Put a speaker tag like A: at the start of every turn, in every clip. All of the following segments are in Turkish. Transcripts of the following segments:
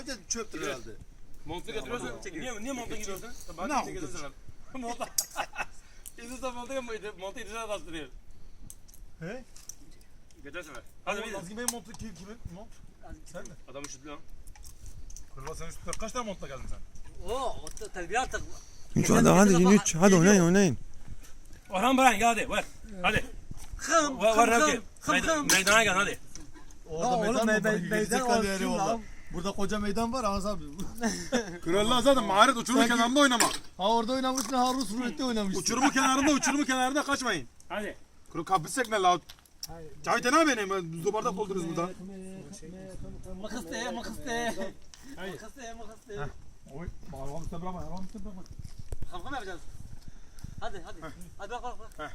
A: de çöptür herhalde.
B: Montunu getiriyorsun. Niye montunu giyiyorsun?
A: Ne yapıyorsun?
B: Monta. İzin montu İdris'e bastırıyor.
A: He?
B: Geçen sefer. Hadi bir de.
A: Nazgin Bey'in montu kimin mont? Sen mi?
B: Adam üşüdü lan.
A: Kurban sen üstüne kaç tane montla geldin sen?
C: Oo, terbiye artık.
D: 3 hadi 3 hadi oynayın.
B: Orhan Baran gel hadi ver. Hadi.
C: Hım
B: Var meydana gel hadi.
A: Orada
C: meydan olsun lan.
A: Burada koca meydan var Ağız abi. Krallar zaten maharet uçurumun kenarında oynamak. Ha orada oynamışsın, ha Rus rulette oynamışsın. Uçurumun kenarında kaçmayın.
B: Hadi.
A: Kuru kapısek ne la? Çay tane benim, zubarda koldunuz burada.
C: Makıste.
A: Oy, bağlamamı bırakma,
C: Kafam yapacağız. Hadi. Hadi bak.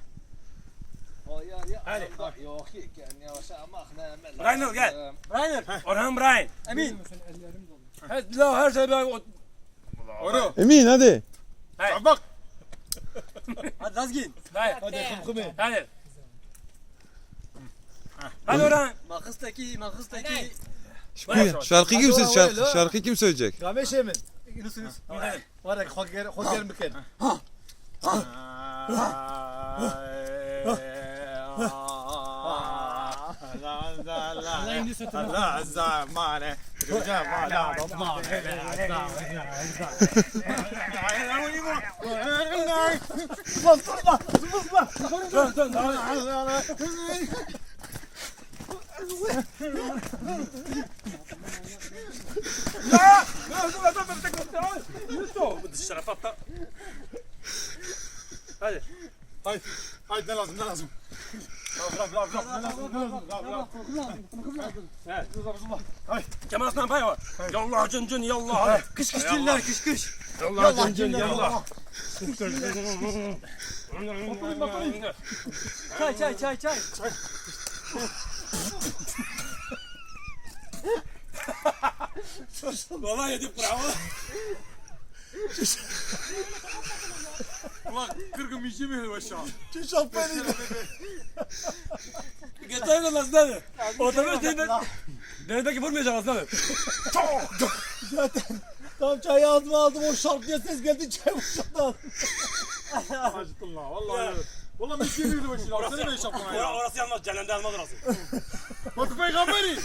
B: Hadi.
E: Yok yani yavaş ama
B: Rainer gel.
C: Rainer.
B: Orhan Brian.
C: Emin.
B: Her şey ben...
A: Oru.
D: Emin hadi.
A: Bak.
C: Hadi Nazgin.
B: Hadi kumkume. Hadi. Hadi Orhan.
C: Makıstaki.
D: Şarkı kim söyleyecek? Şarkı kim söyleyecek?
A: Gameş emin.
C: Yunus.
A: Var ya hoger müken. Allah zamane.
B: Şarafatta. Hadi.
A: Haydi ne lazım?
B: Kemal Aslan Pay var. Yallah cın yallah.
C: Kış diller kış.
B: Yallah cın yallah.
C: Çay.
B: Vallahi yedik bravo. Ulan kırgın bir şey mi aşağı?
A: Çok beni.
B: Geçen yıl aslanı. Otobüs değil. Denedeki vurmayacağım aslanı.
A: Zaten tam çayı aldım o şarkıya ses geldi çay boşaldı. Acıttın la vallahi. Vallahi bir şey bildi başına. Sen ne iş yaptın ya?
B: Orası yanmaz. Cehennemde almaz orası.
A: Batı peygamberi.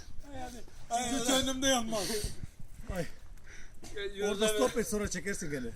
A: Sizce cehennemde yanmaz. Orada stop et sonra çekersin gene.